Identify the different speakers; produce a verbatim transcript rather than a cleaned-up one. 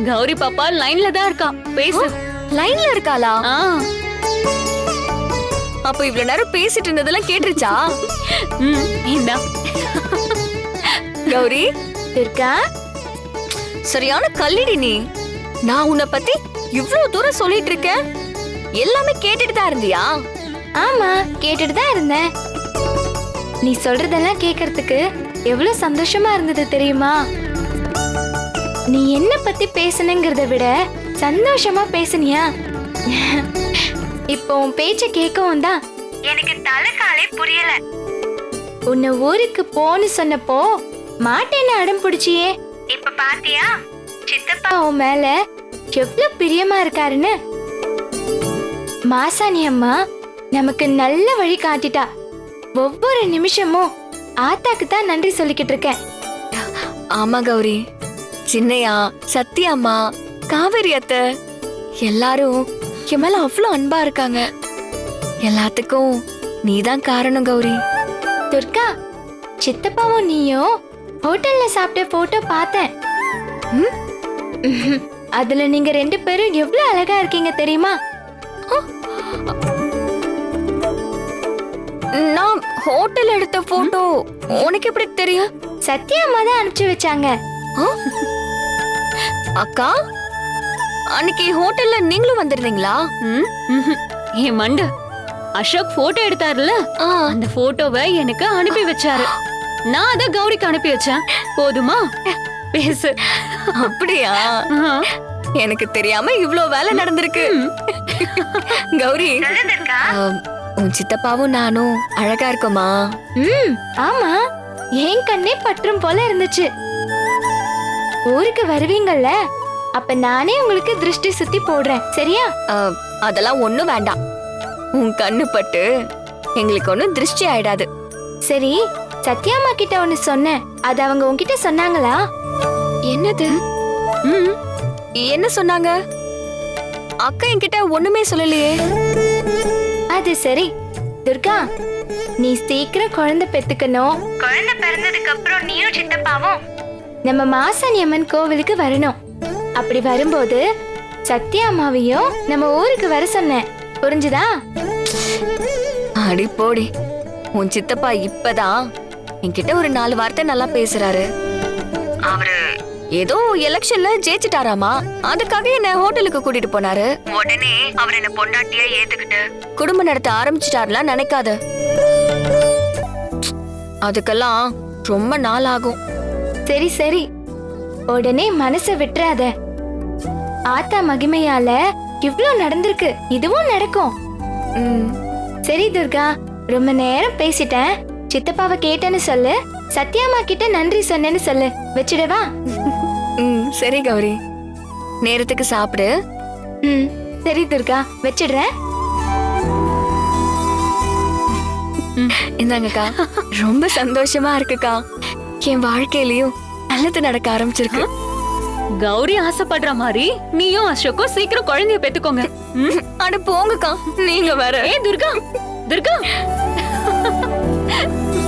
Speaker 1: கௌரி பாப்பா லைன்ல தான் இருக்கா, பேசு.
Speaker 2: லைன்ல இருக்காளா?
Speaker 1: ஆ,
Speaker 2: அப்ப இவ்வளவு நேரம் பேசிட்டு இருந்ததெல்லாம் கேட்டுருச்சா?
Speaker 1: ம், இந்தா.
Speaker 2: கௌரி இருக்கா? சரியான கல்லிடி நீ. நான் உன்னை பத்தி இவ்வளவு தூரம் சொல்லிட்டு இருக்கேன், எல்லாமே கேட்டுட்டு தான் இருந்தியா?
Speaker 3: ஆமா, கேட்டுட்டு தான் இருந்தேன். நீ சொல்றதெல்லாம் கேக்குறதுக்கு எவ்வளவு சந்தோஷமா இருந்தது தெரியுமா? நீ என்ன பத்தி பேசணுங்கிறத விட சந்தோஷமா பேசுனியா? இப்போ உன் பேச்ச கேட்கவும் தான் எனக்கு தலைகாலே புரியல. உன்னை ஊருக்கு போன்னு சொன்னப்போ மாட்டேன்னு அடம் பிடிச்சியே, இப்ப பாத்தியா சித்தப்பா உன் மேல எவ்வளவு பிரியமா இருக்காருன்னு. மாசாணி அம்மா நமக்கு நல்ல வழி காட்டிட்டா. ஒவ்வொரு நிமிஷமும் ஆத்தாக்கு தான் நன்றி சொல்லிக்கிட்டு இருக்கேன்.
Speaker 2: ஆமா கௌரி, சின்னையா, சத்யாம்மா, காவேரி அத்தை எல்லாரும் என் மேல அவ்வளவு அன்பா இருக்காங்க. எல்லாத்துக்கும் நீதான் காரணம் கௌரி.
Speaker 3: துர்கா, சித்தப்பாவும் நீயும் ஹோட்டல்ல சாப்பிட்ட போட்டோ பார்த்தேன். ம்? ம்ஹும். அதுல நீங்க ரெண்டு பேரும் எவ்வளவு அழகா இருக்கீங்க தெரியுமா?
Speaker 2: நான் ஹோட்டல் எடுத்த போட்டோ உனக்கு எப்படி தெரியும்?
Speaker 3: சத்யா அம்மா தான் அனுப்பிச்சு வச்சாங்க.
Speaker 2: அக்கா, அன்னைக்கு ஹோட்டல்ல நீங்களும் வந்திருந்தீங்களா?
Speaker 1: ம், ம்ஹும். என் மண்டு அசோக் போட்டோ எடுத்தாருல, அந்த போட்டோவை எனக்கு அனுப்பி வச்சாரு. நான் அத கௌரிக்கு அனுப்பி வச்சேன். போதுமா? பேசு.
Speaker 2: அப்படியா? எனக்கு தெரியாம இவ்ளோ வேலை நடந்திருக்கு. கௌரி, ஆம், உன் சித்தப்பாவும் நானும் அழகா இருக்கோமா?
Speaker 3: ம், ஆமா, என் கண்ணே பற்றும் போல இருந்துச்சு. ஊருக்கு வருவீங்கல்ல, அப்ப நானே உங்களுக்கு திருஷ்டி சுத்தி போடுறேன், சரியா?
Speaker 2: ஆ, அதெல்லாம் ஒண்ணும் வேண்டாம். உன் கண்ணு பட்டு எங்களுக்கு ஒண்ணும் திருஷ்டி ஆயிடாது.
Speaker 3: சரி, சத்யாமா கிட்ட ஒன்னு சொன்னேன், அது அவங்க உன்கிட்ட சொன்னாங்களா?
Speaker 2: என்னது? ம், என்ன சொன்னாங்க? அக்கா என்கிட்ட ஒண்ணுமே சொல்லலையே.
Speaker 3: அது சரி துர்கா, நீ சீக்கிரம் குழந்தை பெத்துக்கணும். குழந்தை பிறந்ததுக்கு அப்புறம் நீயும் சித்தப்பாவும் நம்ம மாசாணி அம்மன் கோவிலுக்கு வரணும். அப்படி வரும்போது சத்யா அம்மாவையும் நம்ம ஊருக்கு வர சொன்னேன், புரிஞ்சுதா?
Speaker 2: அடி போடி, உன் சித்தப்பா இப்பதான் என்கிட்ட ஒரு நாலு வார்த்தை நல்லா பேசுறாரு. அவரு ஏதோ எலெக்ஷன்ல ஜெயிச்சிட்டாராமா, அதுக்காக என்ன ஹோட்டலுக்கு கூட்டிட்டு போனாரு. உடனே அவர் என்ன பொண்டாட்டியா ஏத்துக்கிட்டு குடும்பம் நடத்த ஆரம்பிச்சிட்டாருலாம் நினைக்காத. அதுக்கெல்லாம் ரொம்ப நாள் ஆகும்.
Speaker 3: சரி சரி, உடனே மனசை விட்டுறாத. ஆத்தா மகிமையால இவ்ளோ நடந்திருக்கு, இதுவும் நடக்கும்.
Speaker 2: ம்,
Speaker 3: சரி துர்கா, ரொம்ப நேரம் பேசிட்டேன். சித்தப்பாவை கேட்டேன்னு சொல்லு, சத்யாமா கிட்ட நன்றி சொன்னேன்னு சொல்லு. வச்சிடவா?
Speaker 2: ம், சரி கௌரி, நேரத்துக்கு சாப்பிடு.
Speaker 3: ம், சரி துர்கா, வச்சிடுறேன்.
Speaker 2: இந்தாங்கக்கா, ரொம்ப சந்தோஷமா இருக்குக்கா. என் வாழ்க்கையிலயும் நல்லது நடக்க ஆரம்பிச்சிருக்கு.
Speaker 1: கௌரி ஆசைப்படுற மாதிரி நீயும் அசோக்கும் சீக்கிரம் குழந்தைய பெத்துக்கோங்க. ம்?
Speaker 2: அட போங்கக்கா, நீங்க வேற.
Speaker 1: ஏ துர்கா, துர்கா